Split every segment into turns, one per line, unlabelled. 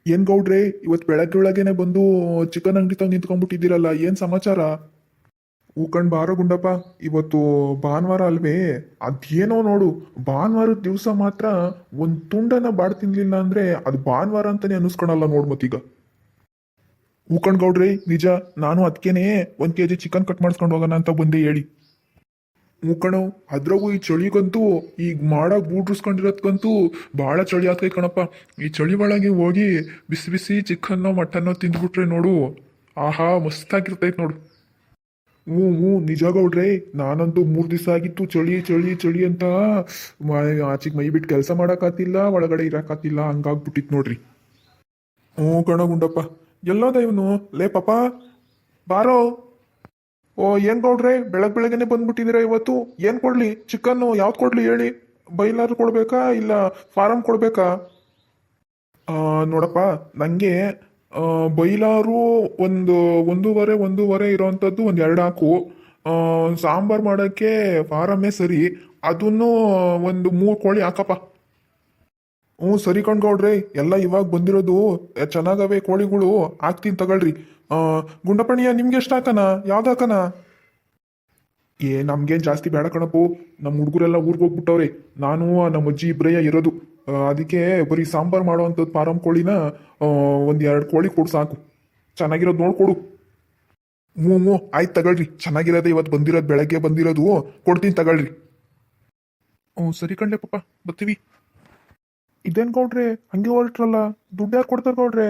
ಏನ್ ಗೌಡ್ರೆ, ಇವತ್ ಬೆಳಗ್ಗೆ ಬಂದು ಚಿಕನ್ ಅಂಗಡಿ ತಂದು ನಿಂತ್ಕೊಂಡ್ಬಿಟ್ಟಿದ್ದೀರಲ್ಲ, ಏನ್ ಸಮಾಚಾರ? ಹೂಕಂಡ್ ಬಾರೋ ಗುಂಡಪ್ಪ, ಇವತ್ತು ಭಾನುವಾರ ಅಲ್ವೇ? ಅದೇನೋ ನೋಡು, ಭಾನುವಾರದ ದಿವಸ ಮಾತ್ರ ಒಂದ್ ತುಂಡನ ಬಾಡ್ ತಿನ್ಲಿಲ್ಲ ಅಂದ್ರೆ ಅದು ಭಾನುವಾರ ಅಂತಾನೆ ಅನಿಸ್ಕೊಳಲ್ಲ ನೋಡ್ ಮತ್ತೀಗ. ಹೂಕಂಡ್ ಗೌಡ್ರೆ ನಿಜ, ನಾನು ಅದಕ್ಕೇನೆ 1 kg ಚಿಕನ್ ಕಟ್ ಮಾಡಿಸ್ಕೊಂಡು ಹೋಗೋಣ ಅಂತ ಬಂದೆ ಹೇಳಿ. ಹೂಕಣೋ, ಅದ್ರಾಗೂ ಈ ಚಳಿಗಂತೂ ಈಗ ಮಾಡಕ್ ಬೂಟ್ರಿಸ್ಕೊಂಡಿರೋದ್ಕಂತೂ ಬಹಳ ಚಳಿ ಆಗ್ತೈತೆ ಕಣಪ್ಪ. ಈ ಚಳಿ ಒಳಗೆ ಹೋಗಿ ಬಿಸಿ ಬಿಸಿ ಚಿಕನ್ನೋ ಮಟನ್ನೋ ತಿಂದ್ಬಿಟ್ರೆ ನೋಡು, ಆಹಾ ಮಸ್ತಾಗಿರ್ತೈತೆ ನೋಡು. ಹ್ಞೂ ಹ್ಞೂ ನಿಜ ಗೌಡ್ರೆ, ನಾನಂತೂ 3 ದಿವಸ ಆಗಿತ್ತು ಚಳಿ ಚಳಿ ಚಳಿ ಅಂತ ಆಚೆಗೆ ಮೈ ಬಿಟ್ಟು ಕೆಲಸ ಮಾಡೋಕ್ಕಾತಿಲ್ಲ, ಒಳಗಡೆ ಇರೋಕ್ಕಾತಿಲ್ಲ, ಹಂಗಾಗ್ಬಿಟ್ಟಿತ್ತು ನೋಡ್ರಿ. ಹ್ಞೂ ಕಣ ಗುಂಡಪ್ಪ. ಎಲ್ಲೋದ ಇವನು? ಲೇ ಪಾಪ ಬಾರೋ. ಓ ಏನ್ ಗೌಡ್ರೆ, ಬೆಳಗ್ಗೆನೆ ಬಂದ್ಬಿಟ್ಟಿದ್ದೀರಾ ಇವತ್ತು? ಏನ್ ಕೊಡ್ಲಿ? ಚಿಕನ್ನು ಯಾವ್ದು ಕೊಡ್ಲಿ ಹೇಳಿ? ಬೈಲಾರ್ ಕೊಡ್ಬೇಕಾ ಇಲ್ಲ ಫಾರಂ ಕೊಡ್ಬೇಕಾ? ನೋಡಪ್ಪ, ನನಗೆ ಬೈಲಾರು ಒಂದೂವರೆ ಇರೋವಂಥದ್ದು ಒಂದು 2 ಹಾಕು. ಸಾಂಬಾರು ಮಾಡೋಕ್ಕೆ ಫಾರಮ್ಮೇ ಸರಿ, ಅದನ್ನು ಒಂದು 3 ಕೋಳಿ ಹಾಕಪ್ಪ. ಹ್ಞೂ ಸರಿ ಕಣ್ಗೌಡ್ರಿ, ಎಲ್ಲ ಇವಾಗ ಬಂದಿರೋದು ಚೆನ್ನಾಗವೆ ಕೋಳಿಗಳು, ಹಾಕ್ತೀನಿ ತಗೊಳ್ರಿ. ಗುಂಡಪ್ಪಣಿಯ ನಿಮ್ಗೆ ಎಷ್ಟು ಹಾಕನ? ಯಾವ್ದು ಹಾಕನ? ನಮ್ಗೇನು ಜಾಸ್ತಿ ಬೇಡ ಕಣಪ್ಪು, ನಮ್ಮ ಹುಡುಗರೆಲ್ಲ ಊರಿಗೆ ಹೋಗ್ಬಿಟ್ಟವ್ರೆ, ನಾನು ನಮ್ಮ ಅಜ್ಜಿ ಇಬ್ಬರಯ್ಯ ಇರೋದು. ಅದಕ್ಕೆ ಬರೀ ಸಾಂಬಾರು ಮಾಡೋವಂಥದ್ದು ಫಾರಂ ಕೋಳಿನ ಒಂದು 2 ಕೋಳಿ ಕೊಡು ಸಾಕು, ಚೆನ್ನಾಗಿರೋದು ನೋಡ್ಕೊಡು. ಹ್ಞೂ ಹ್ಞೂ ಆಯ್ತು ತಗೊಳ್ರಿ, ಚೆನ್ನಾಗಿರೋದು ಇವತ್ತು ಬಂದಿರೋದು, ಬೆಳಗ್ಗೆ ಬಂದಿರೋದು, ಕೊಡ್ತೀನಿ ತಗೊಳ್ರಿ. ಹ್ಞೂ ಸರಿ ಕಣ್ಲೆ ಪಾಪ, ಬರ್ತೀವಿ. ಇದೇನು ಗೌಡ್ರೆ ಹಂಗೆ ಹೊರಟ್ರಲ್ಲ, ದುಡ್ಡು ಯಾರು ಕೊಡ್ತಾರೆ ಗೌಡ್ರೆ?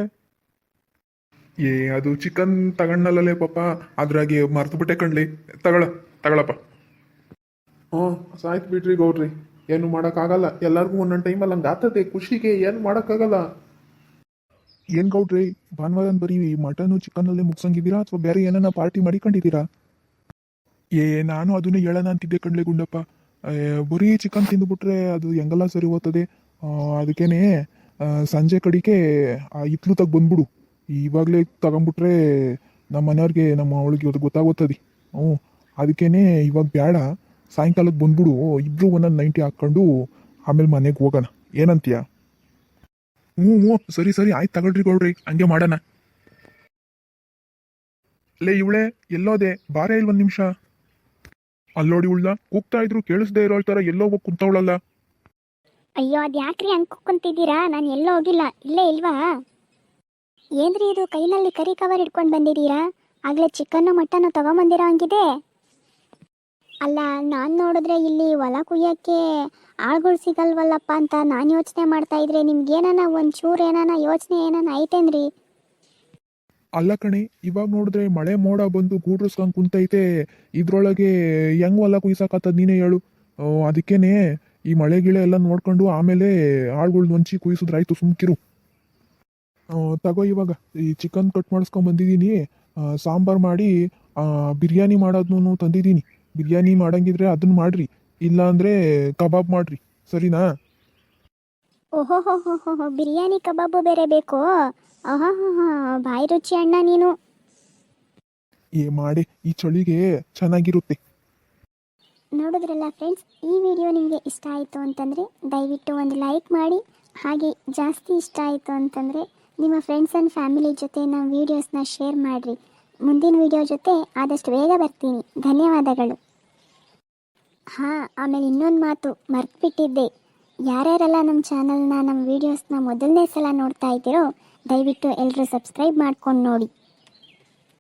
ಅದು ಚಿಕನ್ ತಗೊಂಡಲ್ಲೇ ಪಾಪ, ಅದ್ರಾಗೆ ಮರ್ತು ಬಿಟ್ಟೆ ಕಣ್ಲಿ. ತಗೊಳಪ್ಪ. ಹ್ಞೂ ಸಾಯ್ತು ಬಿಡ್ರಿ ಗೌಡ್ರಿ, ಏನು ಮಾಡೋಕ್ಕಾಗಲ್ಲ, ಎಲ್ಲರಿಗೂ ಒಂದೊಂದು ಟೈಮಲ್ಲಿ ಹಂಗೆ ಆಗ್ತದೆ, ಖುಷಿಗೆ ಏನು ಮಾಡೋಕ್ಕಾಗಲ್ಲ. ಏನು ಗೌಡ್ರಿ, ಭಾನುವಾರ ಬರೀ ಮಟನು ಚಿಕನ್ನಲ್ಲೇ ಮುಗ್ಸಂಗಿದ್ದೀರಾ ಅಥವಾ ಬೇರೆ ಏನನ್ನ ಪಾರ್ಟಿ ಮಾಡಿಕೊಂಡಿದ್ದೀರಾ? ನಾನು ಅದನ್ನೇ ಹೇಳೋಣ ಅಂತಿದ್ದೆ ಕಣ್ಲೆ ಗುಂಡಪ್ಪ. ಬರೀ ಚಿಕನ್ ತಿಂದುಬಿಟ್ರೆ ಅದು ಹೆಂಗೆಲ್ಲ ಸರಿ ಹೋಗ್ತದೆ. ಅದಕ್ಕೇನೆ ಸಂಜೆ ಕಡಿಗೆ ಇತ್ಲು ತಗ ಬಂದ್ಬಿಡು, ಇವಾಗಲೇ ತಗೊಂಬಿಟ್ರೆ ನಮ್ಮ ಮನೆಯವ್ರಿಗೆ, ನಮ್ಮ ಅವಳಿಗೆ ಅದು ಗೊತ್ತಾಗೋತದೆ. ಹ್ಞೂ ಅದಕ್ಕೇನೆ ಇವಾಗ ಬೇಡ, ಸಾಯಂಕಾಲಕ್ಕೆ ಬಂದ್ಬಿಡು, ಇಬ್ರು ಒಂದೊಂದು 90 ಹಾಕ್ಕೊಂಡು ಆಮೇಲೆ ಮನೆಗೆ ಹೋಗೋಣ, ಏನಂತೀಯ? ಹ್ಞೂ ಹ್ಞೂ ಸರಿ ಸರಿ ಆಯ್ತು ತಗೊಳ್ರಿ ಗೌಡ್ರಿ, ಹಂಗೆ ಮಾಡೋಣ. ಲೇ ಇವಳೆ ಎಲ್ಲೋದೆ, ಬಾರೇ ಇಲ್ಲಿ 1 ನಿಮಿಷ. ಅಲ್ಲೋಡಿ ಉಳ್ದ, ಕೂಗ್ತಾ ಇದ್ರು ಕೇಳಿಸ್ದೇ ಇರೋ ಥರ ಎಲ್ಲೋ ಹೋಗಿ ಕುಂತವಳಲ್ಲ.
ಅಯ್ಯೋ ಅದು ಯಾಕ್ರಿ ಹಂಗೆ ಕುಕ್ಕೊಂತಿದ್ದೀರಾ? ನಾನು ಎಲ್ಲೋ ಹೋಗಿಲ್ಲ, ಇಲ್ಲೇ ಇಲ್ವಾ? ಏನ್ರಿ ಇದು ಕೈನಲ್ಲಿ ಕರಿ ಕವರ್ ಹಿಡ್ಕೊಂಡು ಬಂದಿದ್ದೀರಾ? ಆಗಲೇ ಚಿಕನ್ನು ಮಟನ್ನು ತಗೊಂಬಂದಿರೋ ಹಂಗಿದೆ. ಅಲ್ಲ, ನಾನು ನೋಡಿದ್ರೆ ಇಲ್ಲಿ ಹೊಲ ಕುಯ್ಯೋಕ್ಕೆ ಆಳ್ಗಳು ಸಿಗಲ್ವಲ್ಲಪ್ಪ ಅಂತ ನಾನು ಯೋಚನೆ ಮಾಡ್ತಾ ಇದ್ರೆ, ನಿಮ್ಗೇನಾನ ಒಂಚೂರು ಏನಾನ ಯೋಚನೆ ಏನಾನ ಐತೇನ್ರಿ?
ಅಲ್ಲ ಕಣೆ, ಇವಾಗ ನೋಡಿದ್ರೆ ಮಳೆ ಮೋಡ ಬಂದು ಗೂಡ್ರಸ್ಕೊಂಡ್ ಕುಂತೈತೆ, ಇದ್ರೊಳಗೆ ಹೆಂಗ್ ಹೊಲ ಕುಯ್ಸಕತ್ತದ ನೀನೇ ಹೇಳು. ಅದಕ್ಕೇನೆ ಈ ಮಳೆ ಗಿಳೆ ಎಲ್ಲ ನೋಡ್ಕೊಂಡು ಆಮೇಲೆ ಆಳ್ಗಳ್ನ ಹೊಂಚಿ ಕುಯ್ಸಿದ್ರಾಯ್ತು, ಸುಮ್ಕಿರು. ತಗೋ ಇವಾಗ ಈ ಚಿಕನ್ ಕಟ್ ಮಾಡಿಸ್ಕೊಂಡ್ ಬಂದಿದ್ದೀನಿ, ಸಾಂಬಾರು ಮಾಡಿ ಬಿರಿಯಾನಿ ಮಾಡೋದನ್ನು ತಂದಿದ್ದೀನಿ. ಬಿರಿಯಾನಿ ಮಾಡಂಗಿದ್ರೆ ಅದನ್ನ ಮಾಡ್ರಿ, ಇಲ್ಲ ಅಂದ್ರೆ ಕಬಾಬ್ ಮಾಡ್ರಿ, ಸರಿನಾ?
ಓಹೋ ಹೋ ಹೋ ಹೋ ಹೋ, ಬಿರಿಯಾನಿ ಕಬಾಬು ಬೇರೆ ಬೇಕು? ಆಹಾ ಹಾ ಹಾ, ಬಾಯಿ ರುಚಿ ಅಣ್ಣ ನೀನು.
ಮಾಡಿ, ಈ ಚಳಿಗೆ ಚೆನ್ನಾಗಿರುತ್ತೆ.
ನೋಡಿದ್ರಲ್ಲ ಫ್ರೆಂಡ್ಸ್, ಈ ವಿಡಿಯೋ ನಿಮಗೆ ಇಷ್ಟ ಆಯಿತು ಅಂತಂದರೆ ದಯವಿಟ್ಟು ಒಂದು ಲೈಕ್ ಮಾಡಿ, ಹಾಗೆ ಜಾಸ್ತಿ ಇಷ್ಟ ಆಯಿತು ಅಂತಂದರೆ ನಿಮ್ಮ ಫ್ರೆಂಡ್ಸ್ ಆ್ಯಂಡ್ ಫ್ಯಾಮಿಲಿ ಜೊತೆ ನಮ್ಮ ವೀಡಿಯೋಸ್ನ ಶೇರ್ ಮಾಡಿರಿ. ಮುಂದಿನ ವಿಡಿಯೋ ಜೊತೆ ಆದಷ್ಟು ಬೇಗ ಬರ್ತೀನಿ. ಧನ್ಯವಾದಗಳು. ಹಾಂ, ಆಮೇಲೆ ಇನ್ನೊಂದು ಮಾತು ಮರ್ತ್ಬಿಟ್ಟಿದ್ದೆ, ಯಾರ್ಯಾರೆಲ್ಲ ನಮ್ಮ ಚಾನಲ್ನ, ನಮ್ಮ ವೀಡಿಯೋಸ್ನ ಮೊದಲನೇ ಸಲ ನೋಡ್ತಾ ಇದ್ದೀರೋ ದಯವಿಟ್ಟು ಎಲ್ಲರೂ ಸಬ್ಸ್ಕ್ರೈಬ್ ಮಾಡ್ಕೊಂಡು ನೋಡಿ.